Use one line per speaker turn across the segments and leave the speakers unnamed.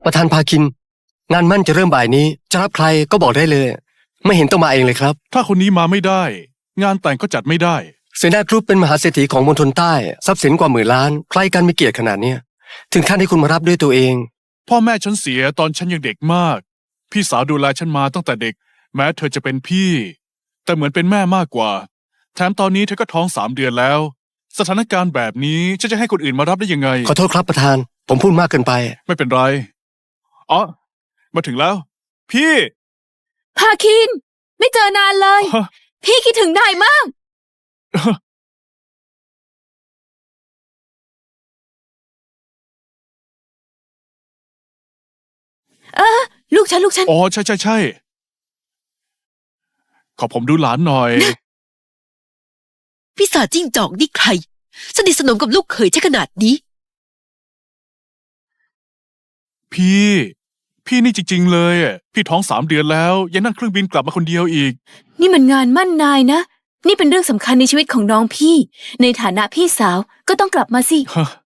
ประธานพาคินงานมั่นจะเริ่มบ่ายนี้จะรับใครก็บอกได้เลยไม่เห็นต้องมาเองเลยครับ
ถ้าคนนี้มาไม่ได้งานแต่งก็จัดไม่ได้
เซนากรุ๊ปเป็นมหาเศรษฐีของมณฑลใต้ทรัพย์สินกว่า10,000 ล้านใครกันมีเกียรติขนาดเนี้ยถึงขั้นให้คุณมารับด้วยตัวเอง
พ่อแม่ฉันเสียตอนฉันยังเด็กมากพี่สาวดูแลฉันมาตั้งแต่เด็กแม้เธอจะเป็นพี่แต่เหมือนเป็นแม่มากกว่าแถมตอนนี้เธอก็ท้อง3 เดือนแล้วสถานการณ์แบบนี้ฉันจะให้คนอื่นมารับได้ยังไง
ขอโทษครับประธานผมพูดมากเกินไป
ไม่เป็นไรอ๋อมาถึงแล้วพี่
พาคินไม่เจอนานเลย พี่คิดถึงนายมากลูกฉัน
อ๋อใช่ขอผมดูหลานหน่อย
พี่สาวจิ้งจอกนี่ใครสนิทสนมกับลูกเขยใช่ขนาดนี้
พี่นี่จริงๆเลยพี่ท้อง3 เดือนแล้วยังนั่งเครื่องบินกลับมาคนเดียวอีก
นี่มันงานมั่นนายนะนี่เป็นเรื่องสำคัญในชีวิตของน้องพี่ในฐานะพี่สาวก็ต้องกลับมาสิ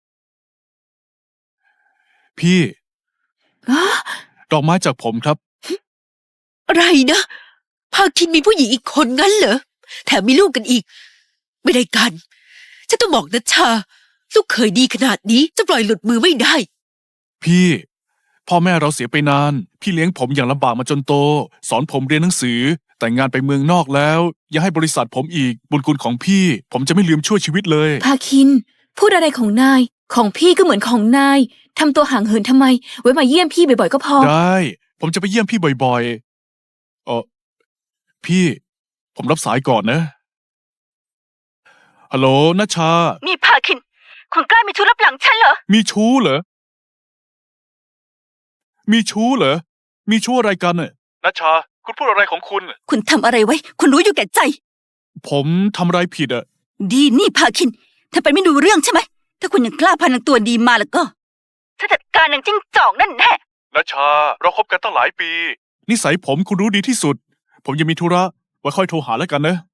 พี่ดอกไม้จากผมครับ
อะไรนะพาคินมีผู้หญิงอีกคนงั้นเหรอแถมมีลูกกันอีกไม่ได้กันฉันต้องบอกนัชชาลูกเขยดีขนาดนี้จะปล่อยหลุดมือไม่ได้
พี่พ่อแม่เราเสียไปนานพี่เลี้ยงผมอย่างลำบากมาจนโตสอนผมเรียนหนังสือแต่งงานไปเมืองนอกแล้วยังให้บริษัทผมอีกบุญคุณของพี่ผมจะไม่ลืมช่วยชีวิตเลย
พาคินพูดอะไรของนายของพี่ก็เหมือนของนายทำตัวห่างเหินทำไมไว้มาเยี่ยมพี่บ่อยๆก็พอ
ได้ผมจะไปเยี่ยมพี่บ่อยๆพี่ผมรับสายก่อนนะฮัลโหลนัชชา
นี่พาคินคุณกล้ามีชู้ลับหลังฉันเหรอ
มีชู้เหรอมีชู้อะไรกันน่ะนัชชาคุณพูดอะไรของ
คุณทำอะไรไว้คุณรู้อยู่แก่ใจ
ผมทำอะไรผิดอ่ะ
ดีนี่พาคินถ้าไปไม่ดูเรื่องใช่ไหมถ้าคุณยังกล้าพานังตัวดีมาแล้วก็
ฉันจัดการนางจิ้งจอกนั่นแน่
นัชชาเราคบกันตั้งหลายปีนิสัยผมคุณรู้ดีที่สุดผมยังมีธุระไว้ค่อยโทรหาแล้วกันนะ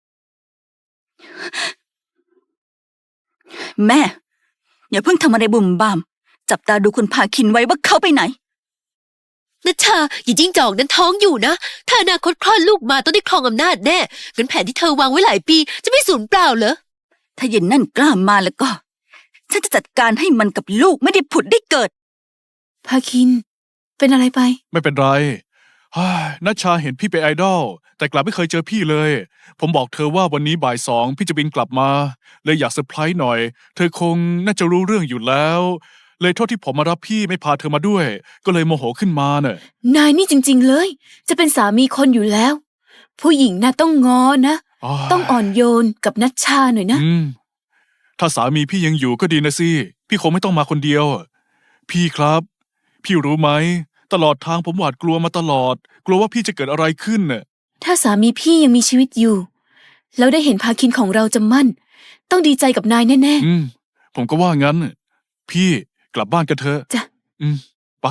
แม่อย่าเพิ่งทำอะไรบุ่มบ่ามจับตาดูคุณพาคินไว้ว่าเขาไปไหนนัชชาอย่าจิ้งจอกนั้นท้องอยู่นะถ้าอนาคตคลอดลูกมาต้องได้ครองอำนาจแน่งั้นแผนที่เธอวางไว้หลายปีจะไม่สูญเปล่าเหรอถ้าเย็นนั่นกล้ามาแล้วก็ฉันจะจัดการให้มันกับลูกไม่ได้ผุดได้เกิด
พาคินเป็นอะไรไป
ไม่เป็นไรนัชชาเห็นพี่เป็นไอดอลแต่กลับไม่เคยเจอพี่เลยผมบอกเธอว่าวันนี้บ่าย 2พี่จะบินกลับมาเลยอยากเซอร์ไพรส์หน่อยเธอคงน่าจะรู้เรื่องอยู่แล้วเลยโทษที่ผมมารับพี่ไม่พาเธอมาด้วยก็เลยโมโหขึ้นมาเน่ะ
นายนี่จริงๆเลยจะเป็นสามีคนอยู่แล้วผู้หญิงน่ะต้องง้อนะต้องอ่อนโยนกับนัชชาหน่อยนะ
ถ้าสามีพี่ยังอยู่ก็ดีนะสิพี่คงไม่ต้องมาคนเดียวพี่ครับพี่รู้ไหมตลอดทางผมหวาดกลัวมาตลอดกลัวว่าพี่จะเกิดอะไรขึ้นน่ะ
ถ้าสามีพี่ยังมีชีวิตอยู่แล้วได้เห็นพาคินของเราจะมั่นต้องดีใจกับนายแน่
ๆผมก็ว่างั้นพี่กลับบ้านกันเถอะ
จ้ะ
ไป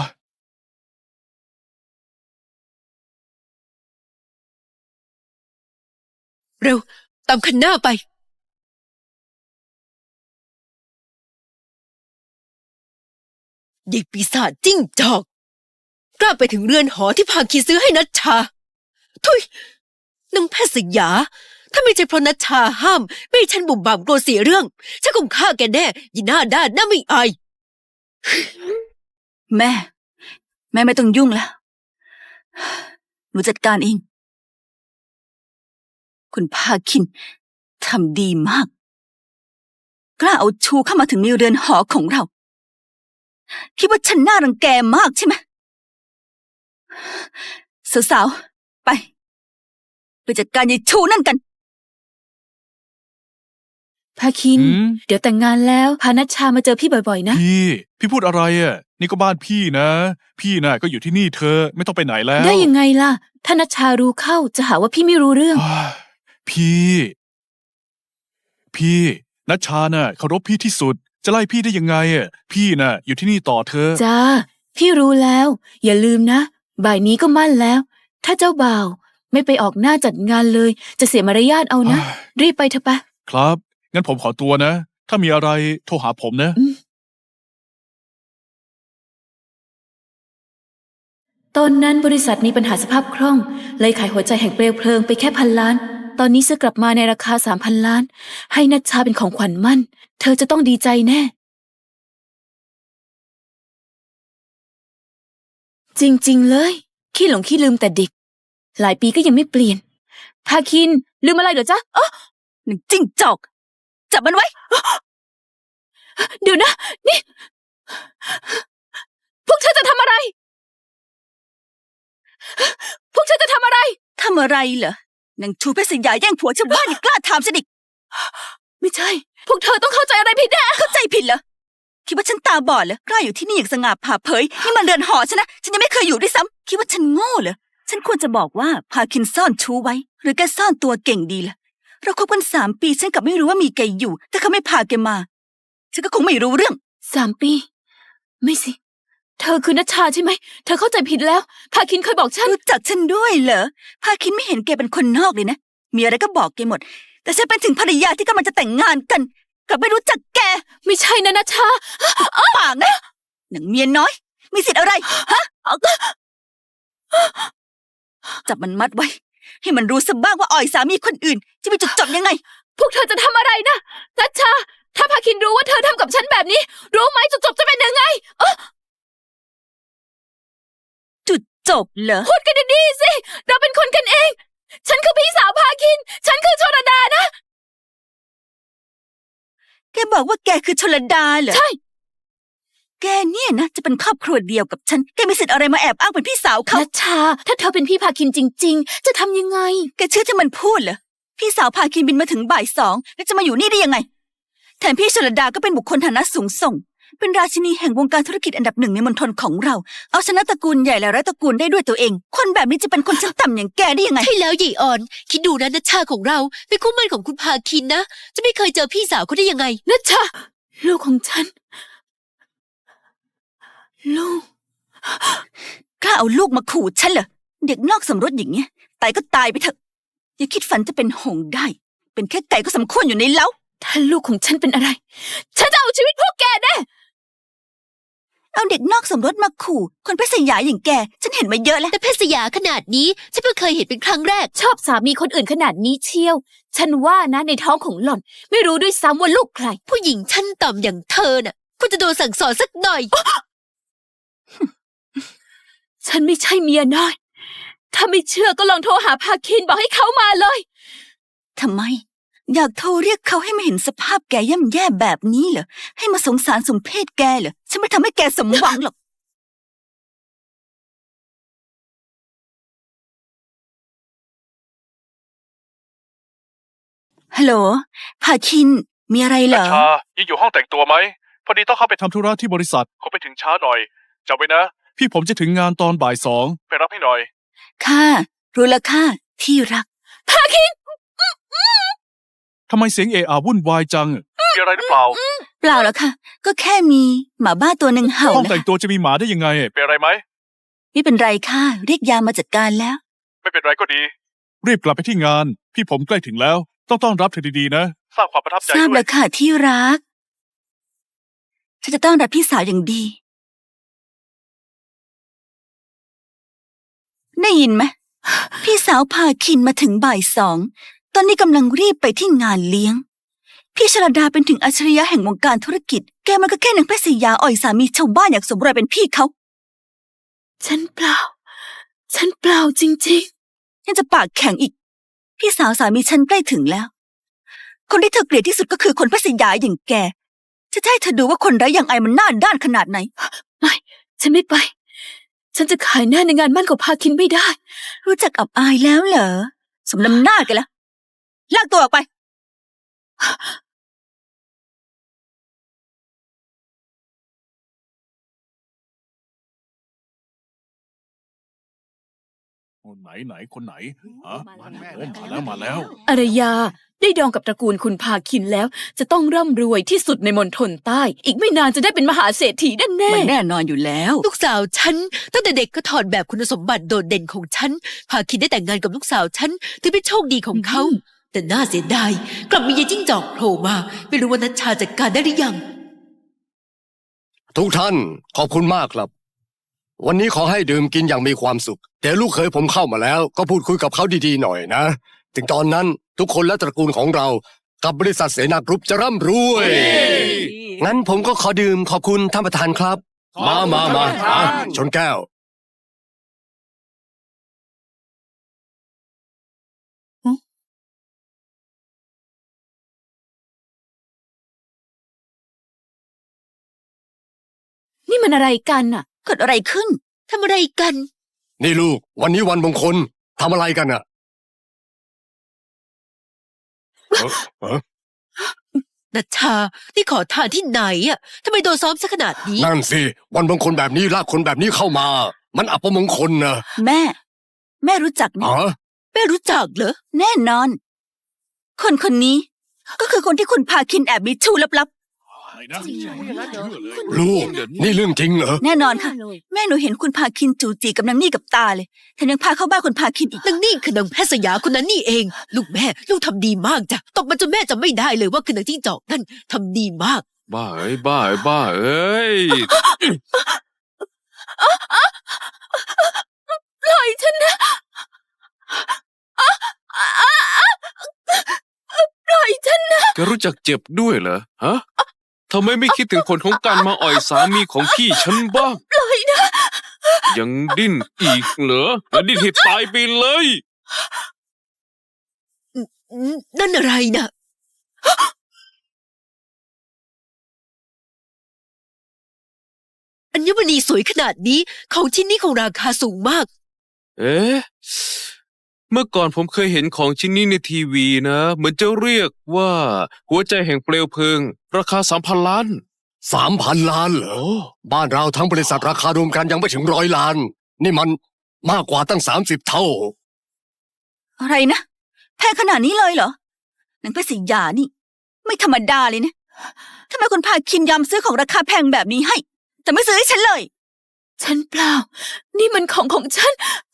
เร็วตามคันหน้าไปเด็กปีศาจจิ้งจอกกล้าไปถึงเรือนหอที่พาคินซื้อให้นัชชาทุยนางแพทย์สยาถ้าไม่ใช่เพราะนัชชาห้ามไม่ให้ฉันบุ่มบ่ามกลัวเสียเรื่องฉันคงฆ่าแกแน่ยีหน้าด้านหน้าไม่อายแม่ไม่ต้องยุ่งแล้วหนูจัดการเองคุณพาคินทำดีมากกล้าเอาชูเข้ามาถึงในเรือนหอของเราคิดว่าฉันน่ารังแกมากใช่ไหมสาวๆไปจัดการยายชูนั่นกัน
พาคินเดี๋ยวแต่งงานแล้วพานัชชามาเจอพี่บ่อยๆนะ
พี่พูดอะไรอ่ะนี่ก็บ้านพี่นะพี่น่ะก็อยู่ที่นี่เธอไม่ต้องไปไหนแล้ว
ได้ยังไงล่ะถ้านัชชารู้เข้าจะหาว่าพี่ไม่รู้เรื่อง
พี่นัชชาน่ะเคารพพี่ที่สุดจะไล่พี่ได้ยังไงอ่ะพี่น่ะอยู่ที่นี่ต่อเธอ
จ้าพี่รู้แล้วอย่าลืมนะบ่ายนี้ก็มั่นแล้วถ้าเจ้าบ่าวไม่ไปออกหน้าจัดงานเลยจะเสียมารยาทเอานะรีบไปเถอะปะ
ครับงั้นผมขอตัวนะถ้ามีอะไรโทรหาผมนะ
ตอนนั้นบริษัทมีปัญหาสภาพคล่อง เลยขายหัวใจแห่งเปลวเพลิงไปแค่1,000,000,000 ตอนนี้ซื้อกลับมาในราคา3,000,000,000 ให้นัชชาเป็นของขวัญมั่น เธอจะต้องดีใจแน่ จริงๆเลย ขี้หลงขี้ลืมแต่เด็ก หลายปีก็ยังไม่เปลี่ยน พาคินลืมอะไรเหรอจ๊ะอ๊ะ
หนึ่งจิ้งจอก จับมันไว้
เดี๋ยวนะ นี่ พวกเธอจะทำอะไร พวกเธอจะทำอะไร
ทำอะไรเหรอนางชูเพชรสยาแย่งผัวชาวบ้านยังกล้าถามฉันอีก
ไม่ใช่ พวกเธอต้องเข้าใจอะไรผิดแน่
เข้าใจผิดเหรอ คิดว่าฉันตาบอดเหรอกล้าอยู่ที่นี่อย่างสง่าผ่าเผยนี่มันเรือนหอฉันนะ ฉันยังไม่เคยอยู่ด้วยซ้ำคิดว่าฉันโง่เหรอ ฉันควรจะบอกว่าพาคินซ่อนชู้ไว้ หรือแกซ่อนตัวเก่งดีล่ะ เราคบกัน3 ปีฉันกลับไม่รู้ว่ามีแกอยู่ แต่เขาไม่พาแกมา ฉันก็คงไม่รู้เรื่อง
3 ปี ไม่สิ เธอคือนัชชาใช่ไหม เธอเข้าใจผิดแล้ว พาคินเคยบอกฉัน
รู้จักฉันด้วยเหรอ พาคินไม่เห็นแกเป็นคนนอกเลยนะ มีอะไรก็บอกแกหมด แต่ฉันเป็นถึงภรรยาที่กำลังจะแต่งงานกัน กลับไม่รู้จักแก
ไม่ใช่นะนัชชา
ปากนะหนังเมียน้อย มีสิทธิ์อะไร ฮะจับมันมัดไว้ ให้มันรู้ซะบ้างว่าอ่อยสามีคนอื่น จะมีจุดจบยังไง
พวกเธอจะทำอะไรนะ นัชชา ถ้าพาคินรู้ว่าเธอทำกับฉันแบบนี้ รู้ไหมจุดจบจะเป็นยังไง
จุดจบเหรอ
พูดกันดีๆสิ เราเป็นคนกันเอง ฉันคือพี่สาวพาคิน ฉันคือชลดานะ
แกบอกว่าแกคือชลดาเหรอ
ใช่
แกเนี่ยนะจะเป็นครอบครัวเดียวกับฉัน แกมีสิทธิ์อะไรมาแอบอ้างเป็นพี่สาวเขา
นัชชา ถ้าเธอเป็นพี่พาคินจริง ๆ จะทำยังไง
แกเชื่อที่มันพูดเหรอ พี่สาวพาคินบินมาถึงบ่าย 2แล้วจะมาอยู่นี่ได้ยังไง แถมพี่ชลดาก็เป็นบุคคลฐานะสูงส่ง เป็นราชินีแห่งวงการธุรกิจอันดับ1ในมณฑลของเรา เอาชนะตระกูลใหญ่และร้อยตระกูลได้ด้วยตัวเอง คนแบบนี้จะเป็นคนชั้นต่ำอย่างแกได้ยังไง
ใช่แล้วหยีอ่อน คิดดูนะนัชชาของเราเป็นคู่หมั่นของคุณพาคินนะ จะไม่เคยเจอพี่สาวเขาได้ยังไง
นัชชา ลูกของฉัน ลูก
กล้าเอาลูกมาขู่ฉันเหรอ เด็กนอกสมรสอย่างเงี้ยตายก็ตายไปเถอะ อย่าคิดฝันจะเป็นหงส์ได้ เป็นแค่ไก่ก็สมควรอยู่ในเล้า
ถ้าลูกของฉันเป็นอะไร ฉันจะเอาชีวิตพวกแกแน่
เอาเด็กนอกสมรสมาขู่ คนเพศสยาอย่างแก ฉันเห็นมาเยอะแล้ว
แต่เพศสยาขนาดนี้ฉันเพิ่งเคยเห็นเป็นครั้งแรก
ชอบสามีคนอื่นขนาดนี้เชียว ฉันว่านะในท้องของหล่อน ไม่รู้ด้วยซ้ำว่าลูกใคร
ผู้หญิงชั้นต่ำอย่างเธอน่ะควรจะโดนสั่งสอนสักหน่อย
ฉันไม่ใช่เมียน้อย ถ้าไม่เชื่อก็ลองโทรหาพาคินบอกให้เขามาเลย
ทำไม อยากโทรเรียกเขาให้มาเห็นสภาพแกย่ำแย่แบบนี้เหรอ ให้มาสงสารสมเพศแกเหรอ ฉันไม่ทำให้แกสมหวังหรอก ฮัลโหล พาคิน มีอะไรเหรอ
นัชชายังอยู่ห้องแต่งตัวไหม พอดีต้องเข้าไปทำธุระที่บริษัทคงไปถึงช้าหน่อยจำไว้นะ พี่ผมจะถึงงานตอนบ่าย 2ไปรับให้หน่อย
ค่ะ รู้แล้วค่ะ ที่รัก
ทำไมเสียงเอะอะวุ่นวายจัง มีอะไรหรือเปล่า
เปล่าแล้วค่ะ ก็แค่มีหมาบ้าตัวหนึ่งเห่า
ห้อง
นะ
แต่งตัวจะมีหมาได้ยังไง เป็นอะไรไหม
ไม่เป็นไรค่ะ เรียกยามมาจัดการแล้ว
ไม่เป็นไรก็ดี รีบกลับไปที่งาน พี่ผมใกล้ถึงแล้ว ต้องต้อนรับเธอดีๆนะ สร้างความประทับใจ
ทราบ
ด้ว
แล้
ยว
ค่ะที่รัก ฉันจะต้อนรับพี่สาวอย่างดี ได้ยินไหม พี่สาวพาคินมาถึงบ่าย 2ตอนนี้กำลังรีบไปที่งานเลี้ยง พี่ชลดาเป็นถึงอัจฉริยะแห่งวงการธุรกิจ แกมันก็แค่นางเพศยาอ่อยสามีชาวบ้านอยากสมรอยเป็นพี่เขา
ฉันเปล่า ฉันเปล่าจริง
ยังจะปากแข็งอีก พี่สาวสามีฉันใกล้ถึงแล้ว คนที่เธอเกลียดที่สุดก็คือคนเพศยาอย่างแก จะให้เธอดูว่าคนไร้อย่างไอมันหน้าด้านขนาดไหน
ๆ ไม่ ฉันไม่ไป ฉันจะขายหน้าในงานมั่นของพาคินไม่ได้
รู้จักอับอายแล้วเหรอ สมน้ำหน้ากันละลากตัวออกไป
ไหนคนไหนฮะ
มาแล้ว
โอ้มาแล้ว
อารยาได้ดองกับตระกูลคุณพาคินแล้ว จะต้องร่ำรวยที่สุดในมณฑลใต้ อีกไม่นานจะได้เป็นมหาเศรษฐีแน่
มันแน่นอนอยู่แล้ว
ลูกสาวฉันตั้งแต่เด็กก็ถอดแบบคุณสมบัติโดดเด่นของฉัน พาคินได้แต่งงานกับลูกสาวฉันถือเป็นโชคดีของเขา แต่น่าเสียดายกลับมียายจิ้งจอกโผล่มา ไม่รู้ว่านัชชาจัดการได้หรือยัง
ทุกท่านขอบคุณมากครับวันนี้ขอให้ดื่มกินอย่างมีความสุข แต่ลูกเคยผมเข้ามาแล้ว ก็พูดคุยกับเขาดีๆหน่อยนะ ถึงตอนนั้นทุกคนและตระกูลของเรา กับบริษัทเสนากรุ๊ปจะร่ำรวย งั้นผมก็ขอดื่มขอบคุณท่านประธานครับ มาชนแก้ว
นี่มันอะไรกันน่ะ
เกิดอะไรขึ้น
ทำอะไรกัน
นี่ลูก วันนี้วันมงคลทำอะไรกันอะเอ้อ
นัชชา นี่ขอทานที่ไหนอ่ะทำไมโดนซ้อมซะขนาดนี้
นั่นสิวันมงคลแบบนี้ลากคนแบบนี้เข้ามา มันอัปมงคลนะ
แม่ แม่รู้จักนะ
อ๋อ
แม่รู้จักเหรอ
แน่นอน คนคนนี้ก็คือคนที่คุณพาคินแอบมีชู้ลับ
ลูก นี่เรื่องจริงเหรอ
ๆ แน่นอนค่ะ แม่หนูเห็นคุณพาคินจูจีกับนางนี่กับตาเลยแถมยังพาเข้าบ้านคุณพาคินอีก
นางนี่คือนางแพทย์สยาคนนั้นนี่เอง ลูกแม่ ลูกทำดีมากจ้ะตบมาจนแม่จำไม่ได้เลยว่าคือนางจิ้งจอกนั่นทำดีมาก
บ้าเอ้ยบ้าเอ้ยบ้าเอ้ย
ปล่อยฉันนะปล่อยฉันนะ
แกรู้จักเจ็บด้วยเหรอฮะทำไมไม่คิดถึงผลของการมาอ่อยสามีของพี่ฉันบ้าง
ปล่อยนะ
ยังดิ้นอีกเหรอแล้วดิ้นให้ตายไปเลย
นั่นอะไรนะ อัญมณีสวยขนาดนี้ของชิ้นนี้ของราคาสูงมาก
เอ๊ะเมื่อก่อนผมเคยเห็นของชิ้นนี้ในทีวีนะเหมือนจะเรียกว่า หัวใจแห่งเปลวเพลิง ราคา3,000 ล้าน
3,000 ล้านเหรอ บ้านเราทั้งบริษัทราคารวมกันยังไม่ถึง100 ล้าน นี่มันมากกว่าตั้ง30 เท่า
อะไรนะแพงขนาดนี้เลยเหรอนางเพชรศรียานี่ ไม่ธรรมดาเลยนะทำไมคุณพาคินยอมซื้อของราคาแพงแบบนี้ให้ แต่ไม่ซื้อให้ฉันเลย
ฉันเปล่า นี่มันของฉัน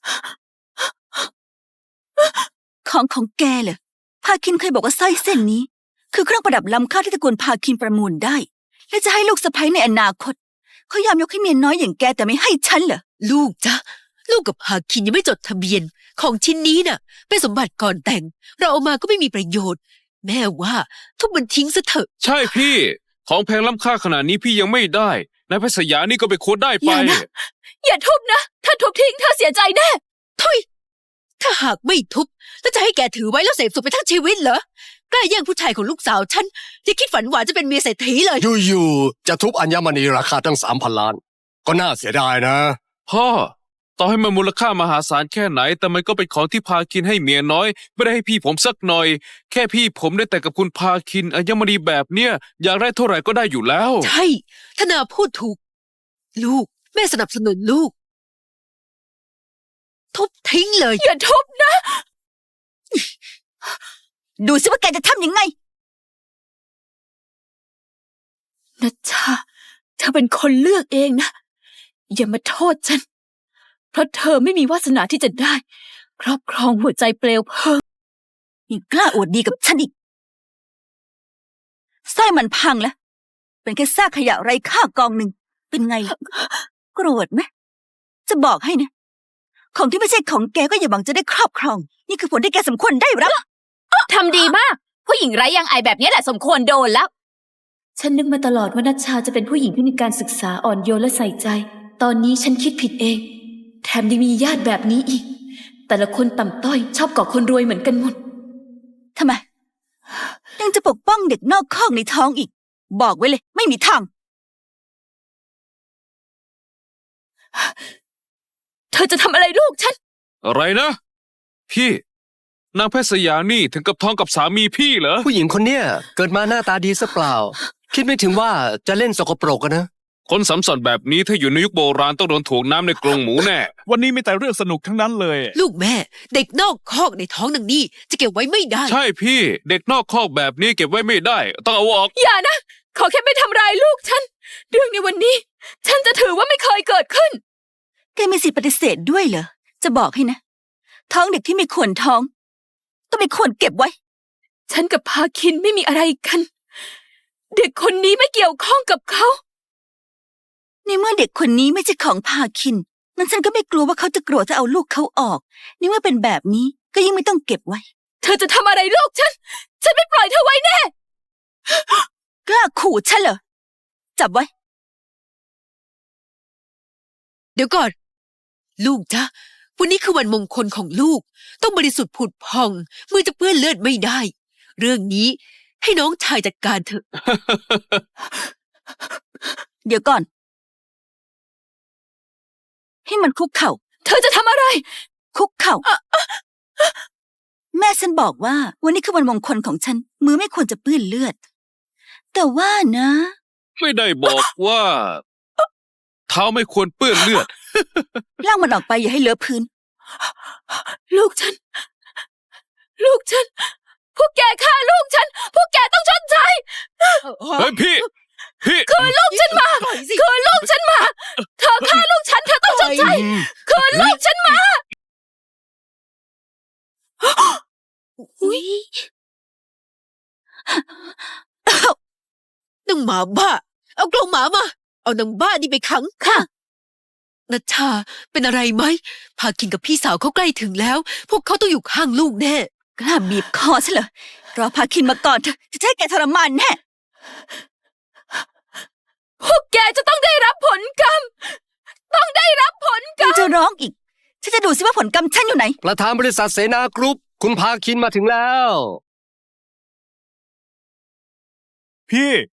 ของแกเหรอพาคินเคยบอกว่าสร้อยเส้นนี้ คือเครื่องประดับล้ำค่าที่ตระกูลพาคินประมูลได้ และจะให้ลูกสะใภ้ในอนาคตเขายอมยกให้เมียน้อยอย่างแกแต่ไม่ให้ฉันเหรอ
ลูกจ๊ะ ลูกกับฮาคินยังไม่จดทะเบียน ของชิ้นนี้น่ะ เป็นสมบัติก่อนแต่ง เราเอามาก็ไม่มีประโยชน์ แม่ว่าทุบมันทิ้งซะเถอะ
ใช่พี่ ของแพงล้ำค่าขนาดนี้พี่ยังไม่ได้นายแพทย์สยานี่ก็ไปโค้ดได้ไป
อย่านะ อย่าทุบนะ ถ้าทุบทิ้งเธอเสียใจแน่
ทุยถ้าหากไม่ทุบแล้วจะให้แกถือไว้แล้วเสพสุขไปทั้งชีวิตเหรอกล้าแย่งผู้ชายของลูกสาวฉันอย่าคิดฝันหวานจะเป็นเมียเศรษฐีเลย
อยู่ๆจะทุบอัญมณีราคาตั้ง 3,000 ล้าน ก็น่าเสียดายนะ
พ่อต่อให้มันมูลค่ามหาศาลแค่ไหน แต่มันก็เป็นของที่พาคินให้เมียน้อย ไม่ได้ให้พี่ผมสักหน่อย แค่พี่ผมได้แต่กับคุณพาคินอัญมณีแบบเนี้ยอยากได้เท่าไหร่ก็ได้อยู่แล้ว
ใช่ธนาพูดถูก ลูก แม่สนับสนุนลูก ทุบทิ้งเลย
อย่าทุบนะ
ดูสิว่าแกจะทำยังไง
นัชชา เธอเป็นคนเลือกเองนะ อย่ามาโทษฉัน เพราะเธอไม่มีวาสนาที่จะได้ ครอบครองหัวใจเปลวเพลิง
ยังกล้าอวดดีกับฉันอีกสร้อยมันพังแล้ว เป็นแค่ซากขยะไร้ค่ากองหนึ่ง เป็นไงล่ะ โกรธไหม จะบอกให้นะ ของที่ไม่ใช่ของแกก็อย่าหวังจะได้ครอบครอง นี่คือผลที่แกสมควรได้รับ
ทำดีมาก ผู้หญิงไร้ยางอายแบบนี้แหละสมควรโดนแล้ว ฉันนึกมาตลอดว่านัชชาจะเป็นผู้หญิงที่มีการศึกษาอ่อนโยนและใส่ใจ ตอนนี้ฉันคิดผิดเอง แถมยังมีญาติแบบนี้อีก แต่ละคนต่ำต้อยชอบเกาะคนรวยเหมือนกันหมด
ทำไม ยังจะปกป้องเด็กนอกคอกในท้องอีก บอกไว้เลย ไม่มีทาง
เธอจะทำอะไรลูกฉัน
อะไรนะ พี่นางแพทย์สยานี่ถึงกับท้องกับสามีพี่เหรอ
ผู้หญิงคนเนี้ยเกิดมาหน้าตาดีซะเปล่า คิดไม่ถึงว่าจะเล่นสกปรกอะนะ
คนสัมสันแบบนี้ถ้าอยู่ในยุคโบราณต้องโดนถ่วงน้ำในกรงหมูแน่
วันนี้มีแต่เรื่องสนุกทั้งนั้นเลย
ลูกแม่ เด็กนอกคอกในท้องนางนี่จะเก็บไว้ไม่ได้
ใช่พี่เด็กนอกคอกแบบนี้เก็บไว้ไม่ได้ ต้องเอาออก
อย่านะ ขอแค่ไม่ทำร้ายลูกฉัน เรื่องในวันนี้ ฉันจะถือว่าไม่เคยเกิดขึ้น
แกมีสิทธิปฏิเสธด้วยเหรอ จะบอกให้นะ ท้องเด็กที่ไม่ควรท้อง ต้องไม่ควรเก็บไว้
ฉันกับพาคินไม่มีอะไรกัน เด็กคนนี้ไม่เกี่ยวข้องกับเขา
ในเมื่อเด็กคนนี้ไม่ใช่ของพาคิน
งั้นฉันก็ไม่กลัวว่าเขาจะโกรธจะเอาลูกเขาออก นี่เมื่อเป็นแบบนี้ก็ยิ่งไม่ต้องเก็บไว้
เธอจะทำอะไรลูกฉัน ฉันไม่ปล่อยเธอไว้แน่
กล้าขู่ฉันเหรอ จับไว้
เดี๋ยวก่อน ลูกจ๊ะวันนี้คือวันมงคลของลูก ต้องบริสุทธิ์ผุดพองมือจะเปื้อนเลือดไม่ได้ เรื่องนี้ให้น้องชายจัดการเถอะ
เดี๋ยวก่อน ให้มันคุกเข่า
เธอจะทำอะไร
คุกเข่า แม่ฉันบอกว่า วันนี้คือวันมงคลของฉัน มือไม่ควรจะเปื้อนเลือด แต่ว่านะ
ไม่ได้บอกว่า เท้าไม่ควรเปื้อนเลือด
ลากมันออกไปอย่าให้เลอะพื้น
ลูกฉัน ลูกฉัน พวกแกฆ่าลูกฉัน พวกแกต้องชดใช้
เฮ้ยพี่
คืนลูกฉันมา คืนลูกฉันมา เธอฆ่าลูกฉัน เธอต้องชดใช้ คืนลูกฉันมา
อุ๊ยนางหมาบ้า เอากรงหมามา เอานางบ้านี่ไปขัง
ค่ะ
นัชชาเป็นอะไรไหม พาคินกับพี่สาวเขาใกล้ถึงแล้ว พวกเขาต้องอยู่ข้างลูกแน่
กล้าบีบคอฉันเหรอ รอพาคินมาก่อนเถอะจะให้แกทรมานแน่
พวกแกจะต้องได้รับผลกรรม ต้องได้รับผลกร
ยั
รง ม
จะร้องอีก ฉันจะดูสิว่าผลกรรมฉันอยู่ไหน
ประธานบริษัทเสนากรุ๊ปคุณพาคินมาถึงแล้ว
พี่